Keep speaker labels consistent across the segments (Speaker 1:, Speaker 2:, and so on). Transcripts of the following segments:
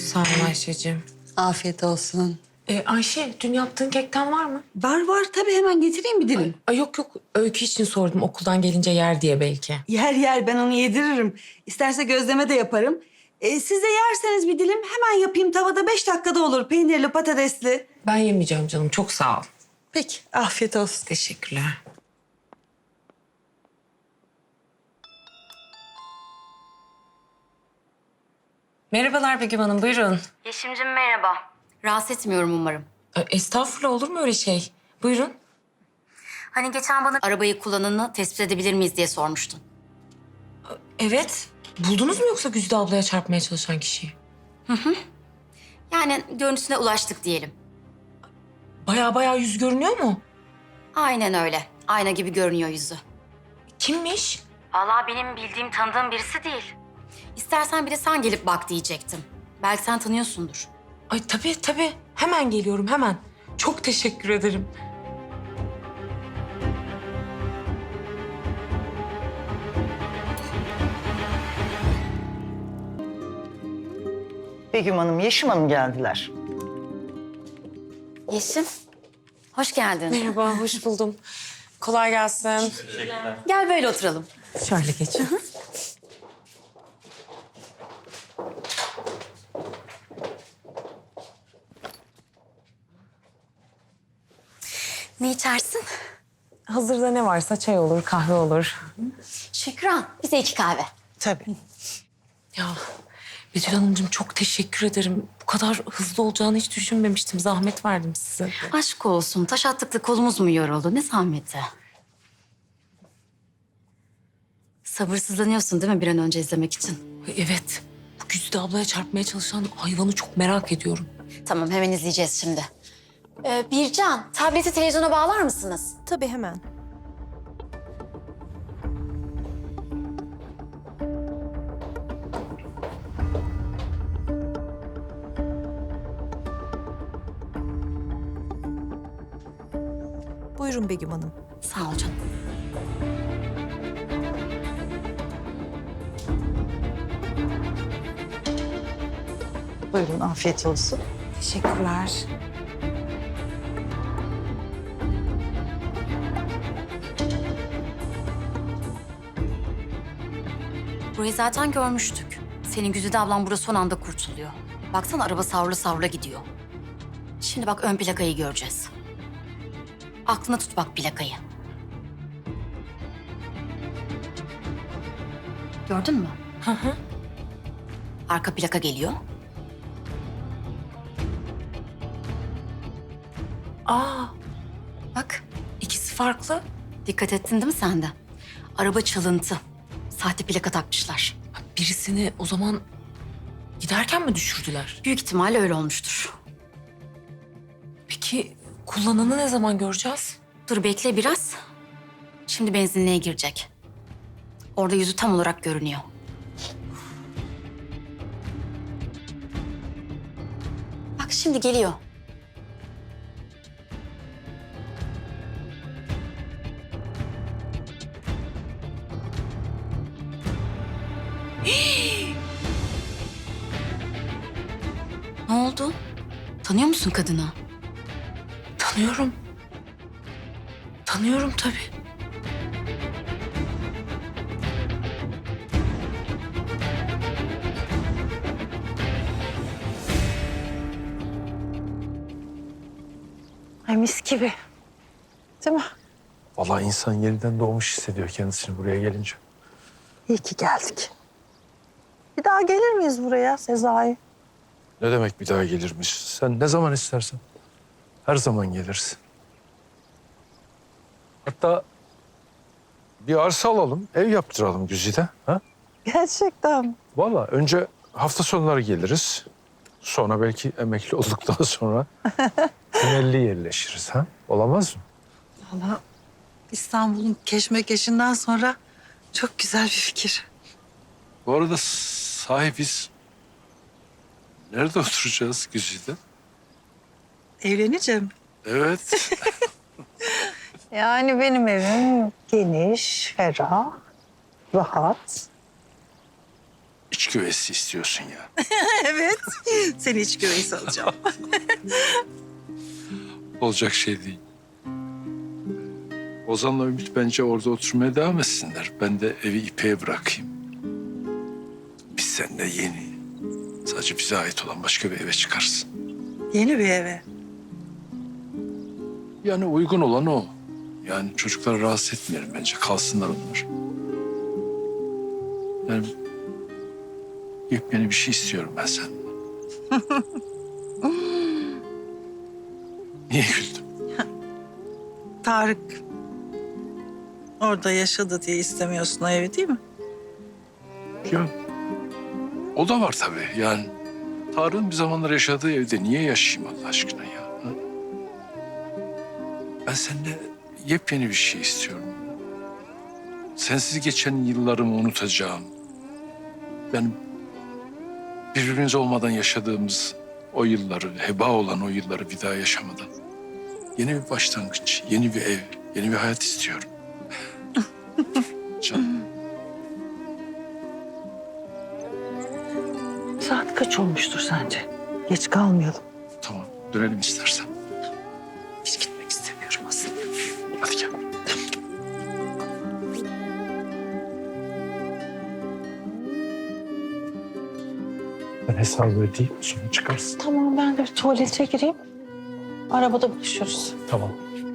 Speaker 1: Sağ ol Ayşe'cim.
Speaker 2: Afiyet olsun.
Speaker 1: Ayşe, dün yaptığın kekten var mı?
Speaker 2: Var tabii, hemen getireyim bir dilim.
Speaker 1: Ay yok, Öykü için sordum. Okuldan gelince yer diye belki.
Speaker 2: Yer ben onu yediririm. İsterse gözleme de yaparım. Siz de yerseniz bir dilim hemen yapayım, tavada 5 dakikada olur. Peynirli, patatesli.
Speaker 1: Ben yemeyeceğim canım. Çok sağ ol.
Speaker 2: Peki, afiyet olsun.
Speaker 1: Teşekkürler. Merhabalar Begüm Hanım, buyurun.
Speaker 3: Yeşim'cim merhaba. Rahatsız etmiyorum umarım.
Speaker 1: Estağfurullah, olur mu öyle şey? Buyurun.
Speaker 3: Hani geçen bana arabayı kullananı tespit edebilir miyiz diye sormuştun.
Speaker 1: Evet. Buldunuz mu yoksa Güzide ablaya çarpmaya çalışan kişiyi?
Speaker 3: Yani görüntüsüne ulaştık diyelim.
Speaker 1: Baya yüz görünüyor mu?
Speaker 3: Aynen öyle. Ayna gibi görünüyor yüzü.
Speaker 1: Kimmiş?
Speaker 3: Vallahi benim bildiğim, tanıdığım birisi değil. İstersen bir de sen gelip bak diyecektim. Belki sen tanıyorsundur.
Speaker 1: Ay tabii. Hemen geliyorum, hemen. Çok teşekkür ederim.
Speaker 4: Begüm Hanım, Yeşim Hanım geldiler.
Speaker 3: Yeşim, hoş geldin.
Speaker 1: Merhaba, hoş buldum. Kolay gelsin.
Speaker 3: Gel böyle oturalım.
Speaker 1: Şöyle geç.
Speaker 3: Ne içersin?
Speaker 1: Hazırda ne varsa çay olur, kahve olur.
Speaker 3: Şükran, bize 2 kahve.
Speaker 4: Tabii.
Speaker 1: Ya Betül Hanımcığım çok teşekkür ederim. Bu kadar hızlı olacağını hiç düşünmemiştim. Zahmet verdim size.
Speaker 3: Aşk olsun, taş attık da kolumuz mu yoruldu? Ne zahmeti? Sabırsızlanıyorsun değil mi bir an önce izlemek için?
Speaker 1: Evet. Bu Güzide ablaya çarpmaya çalışan hayvanı çok merak ediyorum.
Speaker 3: Tamam, hemen izleyeceğiz şimdi. Bircan, tableti televizyona bağlar mısınız?
Speaker 5: Tabii hemen. Buyurun Begüm Hanım.
Speaker 3: Sağ ol canım.
Speaker 4: Buyurun, afiyet olsun.
Speaker 1: Teşekkürler.
Speaker 3: Burayı zaten görmüştük. Senin Güzide ablan burada son anda kurtuluyor. Baksana araba savrula savrula gidiyor. Şimdi bak ön plakayı göreceğiz. Aklına tut bak plakayı. Gördün mü?
Speaker 1: Hı hı.
Speaker 3: Arka plaka geliyor.
Speaker 1: Aa,
Speaker 3: Bak,
Speaker 1: ikisi farklı.
Speaker 3: dikkat ettin değil mi sen de? Araba çalıntı. Sahte plaka takmışlar.
Speaker 1: Birisini o zaman giderken mi düşürdüler?
Speaker 3: Büyük ihtimalle öyle olmuştur.
Speaker 1: Peki kullananı ne zaman göreceğiz?
Speaker 3: Dur bekle biraz. Şimdi benzinliğe girecek. Orada yüzü tam olarak görünüyor. Bak şimdi geliyor. Ne oldu? Tanıyor musun kadını?
Speaker 1: Tanıyorum. Tanıyorum tabii.
Speaker 4: Ay mis gibi. Değil mi?
Speaker 6: Vallahi insan yeniden doğmuş hissediyor kendisini buraya gelince.
Speaker 4: İyi ki geldik. Bir daha gelir miyiz buraya Sezai?
Speaker 6: Ne demek bir daha gelirmiş? Sen ne zaman istersen. Her zaman gelirsin. Hatta bir arsa alalım, ev yaptıralım Güzide. Ha?
Speaker 4: Gerçekten.
Speaker 6: Vallahi önce hafta sonları geliriz. Sonra belki emekli olduktan sonra temelli yerleşiriz. Ha? Olamaz mı?
Speaker 2: Valla İstanbul'un keşmekeşinden sonra çok güzel bir fikir.
Speaker 6: Bu arada sahi biz nerede oturacağız Güzide?
Speaker 2: Evleneceğim.
Speaker 6: Evet.
Speaker 4: Yani benim evim geniş, ferah, rahat.
Speaker 6: iç güveysi istiyorsun ya.
Speaker 4: Evet. Seni hiç güveys alacağım.
Speaker 6: Olacak şey değil. Ozan'la Ümit bence orada oturmaya devam etsinler. Ben de evi İpek'e bırakayım. Biz seninle yeni, sadece bize ait olan başka bir eve çıkarız.
Speaker 4: Yeni bir eve.
Speaker 6: Yani uygun olan o. Yani çocukları rahatsız etmeyelim bence. Kalsınlar onlar. Yani yepyeni bir şey istiyorum ben senden. Niye güldün?
Speaker 4: Tarık orada yaşadı diye istemiyorsun o evi değil mi?
Speaker 6: Ya o da var tabii. Yani Tarık'ın bir zamanlar yaşadığı evde niye yaşayayım Allah aşkına ya? Ha? Ben seninle yepyeni bir şey istiyorum. Sensiz geçen yıllarımı unutacağım. Ben birbirimiz olmadan yaşadığımız o yılları, heba olan o yılları bir daha yaşamadan yeni bir başlangıç, yeni bir ev, yeni bir hayat istiyorum. Canım.
Speaker 4: Saat kaç olmuştur sence? Geç kalmayalım.
Speaker 6: Tamam, dönelim istersen.
Speaker 4: Hiç gitmek istemiyorum aslında.
Speaker 6: Hadi gel. Ben hesabı ödeyeyim, sonra çıkarsın.
Speaker 4: Tamam ben de bir tuvalete gireyim. Arabada buluşuruz.
Speaker 6: Tamam.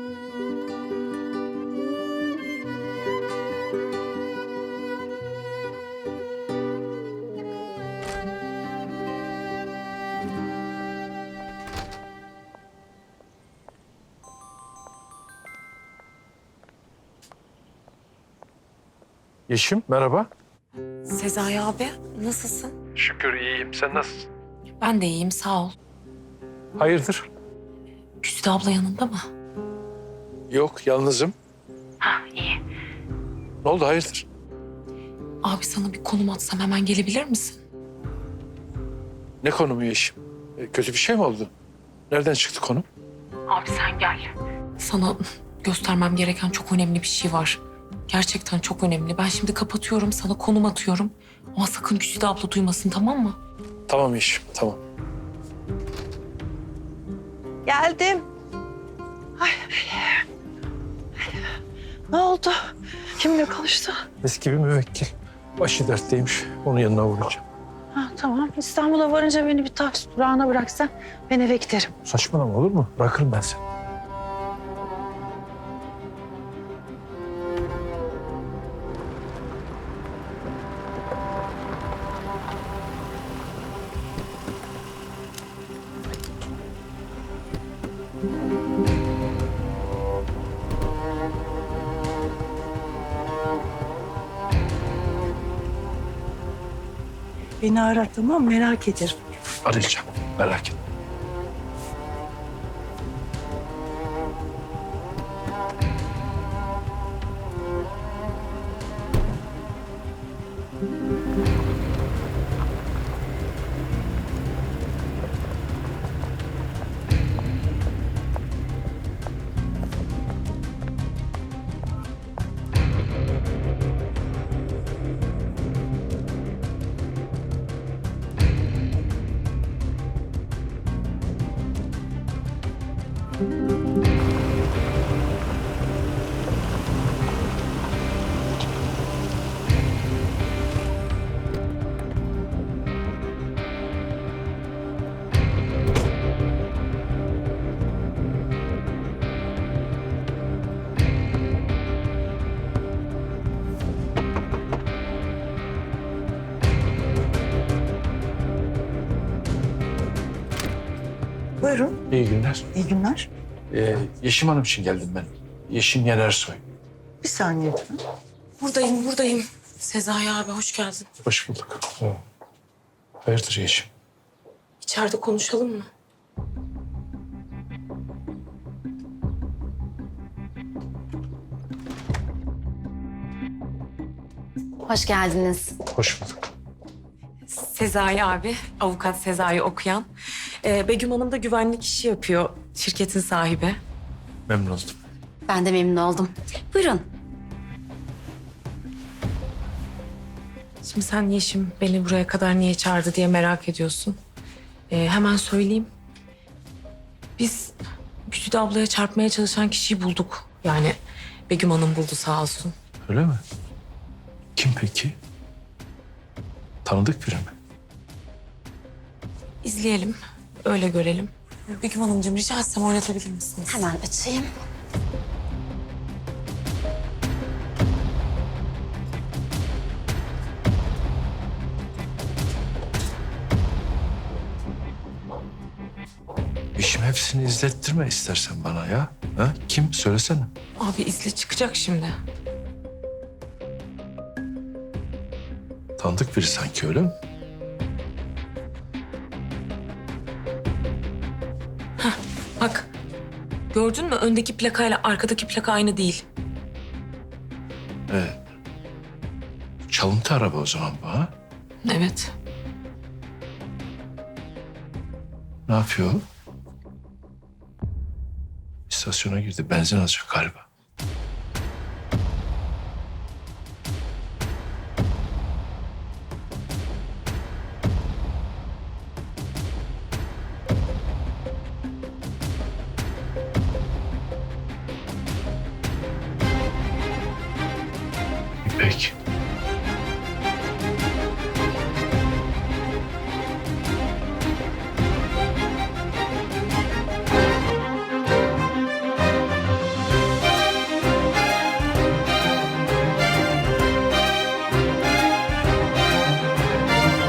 Speaker 6: Yeşim, merhaba.
Speaker 1: Sezai abi nasılsın?
Speaker 6: Şükür iyiyim. Sen nasılsın?
Speaker 1: Ben de iyiyim sağ ol.
Speaker 6: Hayırdır?
Speaker 1: Güzide abla yanında mı?
Speaker 6: Yok, yalnızım.
Speaker 1: Ha iyi.
Speaker 6: Ne oldu, hayırdır?
Speaker 1: Abi sana bir konum atsam hemen gelebilir misin?
Speaker 6: Ne konumu Yeşim? Kötü bir şey mi oldu? Nereden çıktı konu?
Speaker 1: Abi sen gel. Sana göstermem gereken çok önemli bir şey var. Gerçekten çok önemli. Ben şimdi kapatıyorum, sana konum atıyorum. Ama sakın Güzide abla duymasın, tamam mı?
Speaker 6: Tamam Yeşim, tamam.
Speaker 4: Geldim. Ay. Ne oldu? Kimle konuştu?
Speaker 6: Eski bir müvekkil. Başı dertteymiş. Onun yanına uğrayacağım.
Speaker 4: Ha, tamam. İstanbul'a varınca beni bir taksi durağına bıraksan ben eve giderim.
Speaker 6: Saçmalama olur mu? Bırakırım ben seni.
Speaker 4: Beni ara tamam, merak ederim.
Speaker 6: Arayacağım. Merak etme.
Speaker 4: Buyurun.
Speaker 6: İyi günler.
Speaker 4: İyi günler.
Speaker 6: Yeşim Hanım için geldim ben. Yeşim Yenersoy.
Speaker 4: Bir saniye lütfen.
Speaker 1: Buradayım. Sezai abi hoş geldin.
Speaker 6: Hoş bulduk. Hayırdır Yeşim?
Speaker 1: İçeride konuşalım mı?
Speaker 3: Hoş geldiniz.
Speaker 6: Hoş bulduk.
Speaker 1: Sezai abi, avukat Sezai okuyan. Begüm Hanım da güvenlik işi yapıyor, şirketin sahibi.
Speaker 6: Memnun oldum.
Speaker 3: Ben de memnun oldum. Buyurun.
Speaker 1: Şimdi sen Yeşim beni buraya kadar niye çağırdı diye merak ediyorsun. Hemen söyleyeyim. Biz Güzide ablaya çarpmaya çalışan kişiyi bulduk. Yani Begüm Hanım buldu sağ olsun.
Speaker 6: Öyle mi? Kim peki? Tanıdık biri mi?
Speaker 1: İzleyelim, öyle görelim. Begüm Hanımcığım rica etsem oynatabilir misiniz?
Speaker 3: Hemen açayım.
Speaker 6: İşim hepsini izlettirme istersen bana ya. Ha? Kim? Söylesene.
Speaker 1: Abi izle çıkacak şimdi.
Speaker 6: Tanıdık biri sanki, öyle mi?
Speaker 1: Bak gördün mü öndeki plakayla arkadaki plaka aynı değil.
Speaker 6: Evet. Çalıntı araba o zaman bu, ha?
Speaker 1: Evet.
Speaker 6: Ne yapıyor? İstasyona girdi. Benzin alacak galiba.